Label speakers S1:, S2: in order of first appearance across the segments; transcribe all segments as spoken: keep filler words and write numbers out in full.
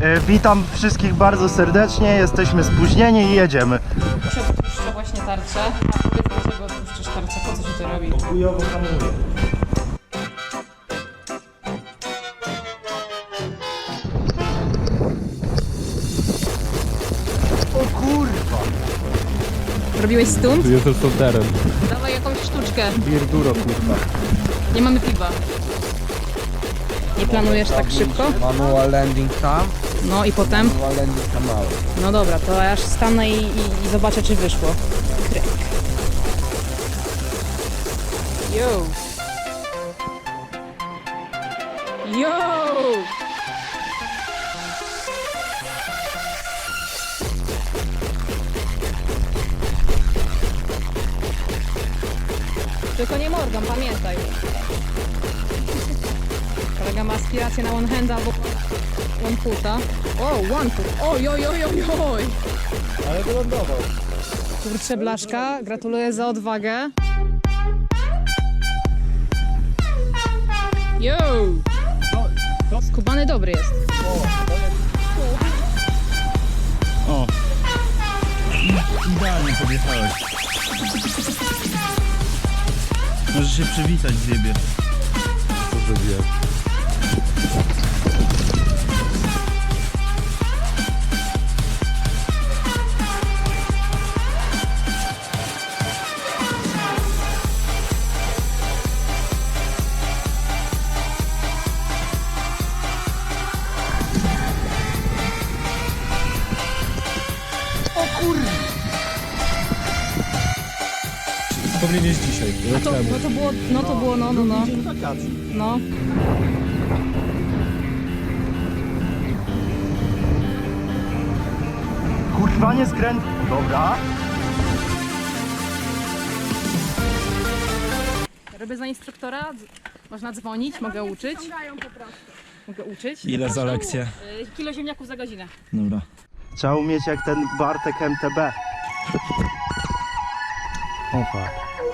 S1: E, witam wszystkich bardzo serdecznie, jesteśmy spóźnieni i jedziemy.
S2: Się odpuszcza właśnie tarczę. A powiedz, dlaczego odpuszczasz tarczę? Po co się to robi?
S1: Chujowo hamuję. O kurwa!
S2: Robiłeś stunt?
S3: Tu jestem solterem.
S2: Dawaj jakąś sztuczkę.
S3: Bierduro, kurwa.
S2: Nie mamy piwa. Nie planujesz tak szybko?
S3: Manual landing tam,
S2: No i potem?
S3: manual landing tam mały.
S2: No dobra, to ja aż stanę i, i, i zobaczę, czy wyszło. Kryk. Yo! Yo! Tylko nie Morgan, pamiętaj. Kolega ma aspirację na one hand albo one foota. O, one foot. Oj, oj, oj, oj, oj.
S3: Ale wylądował.
S2: Kurczę, Blaszka, gratuluję za odwagę. Yo! Skubany dobry jest.
S1: O! Idealnie podjechałeś. Możesz się przywitać z siebie.
S3: Co zrobiłem? Powinieneś dzisiaj.
S2: No to, no to było, no to było, no, no, no. No.
S1: Kurwa, nie skręt. Dobra.
S2: Robię za instruktora, dz- można dzwonić, mogę uczyć. Mogę uczyć.
S4: Ile za lekcję?
S2: Y, Kilo ziemniaków za godzinę.
S4: Dobra.
S1: Trzeba umieć jak ten Bartek M T B. Opa.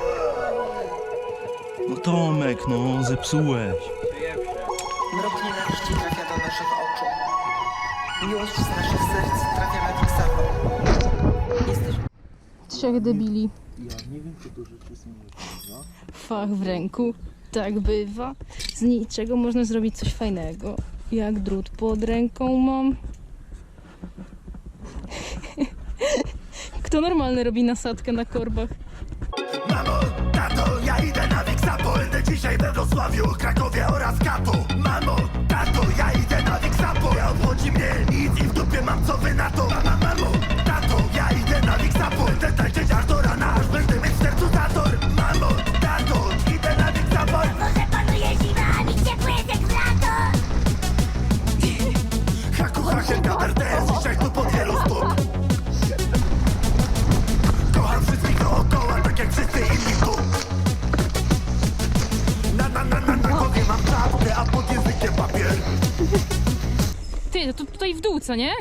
S4: No Tomek, no zepsułeś.
S5: Mrok nienawiści trafia do naszych oczu. Miłość z naszych serc trafia na tych samych. Jesteś...
S2: Trzech debili. Ja nie wiem, co to rzeczy są. Fach w ręku. Tak bywa. Z niczego można zrobić coś fajnego. Jak drut pod ręką mam. Kto normalny robi nasadkę na korbach?
S6: Mamo, tato, ja idę na Wixapo. Będę dzisiaj we Wrocławiu, Krakowie oraz Katu. Mamo, tato, ja idę na Wixapo. Nie obchodzi mnie nic i w dupie mam co wy na to. Mama, mamo, tato, ja idę na Wixapo. Będę tańczyć aż do rana, aż będę mieć w sercu zator. Mamo, tato, idę na Wixapo.
S7: Może panuje zima, a mi ciepły jest jak w lato.
S6: Haku, hakienka, R T S, dzisiaj tu pod wielu stóp. Kocham wszystkich dookoła, tak jak wszyscy inni tu. Na, na, na, na, na głowie mam czapkę, a pod językiem papier.
S2: Ty, no to tutaj w dół, co nie?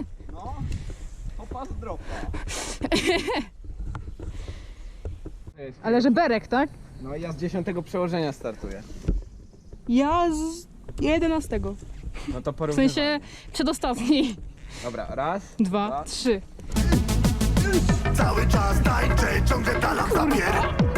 S2: Ale że berek, tak?
S3: No ja z dziesiątego przełożenia startuję.
S2: Ja z jedenastego.
S3: No to
S2: W
S3: porównywamy.
S2: sensie przedostatni.
S3: Dobra, raz,
S2: Dwa, trzy.
S6: Cały czas tańczę, ciągle talam zapier.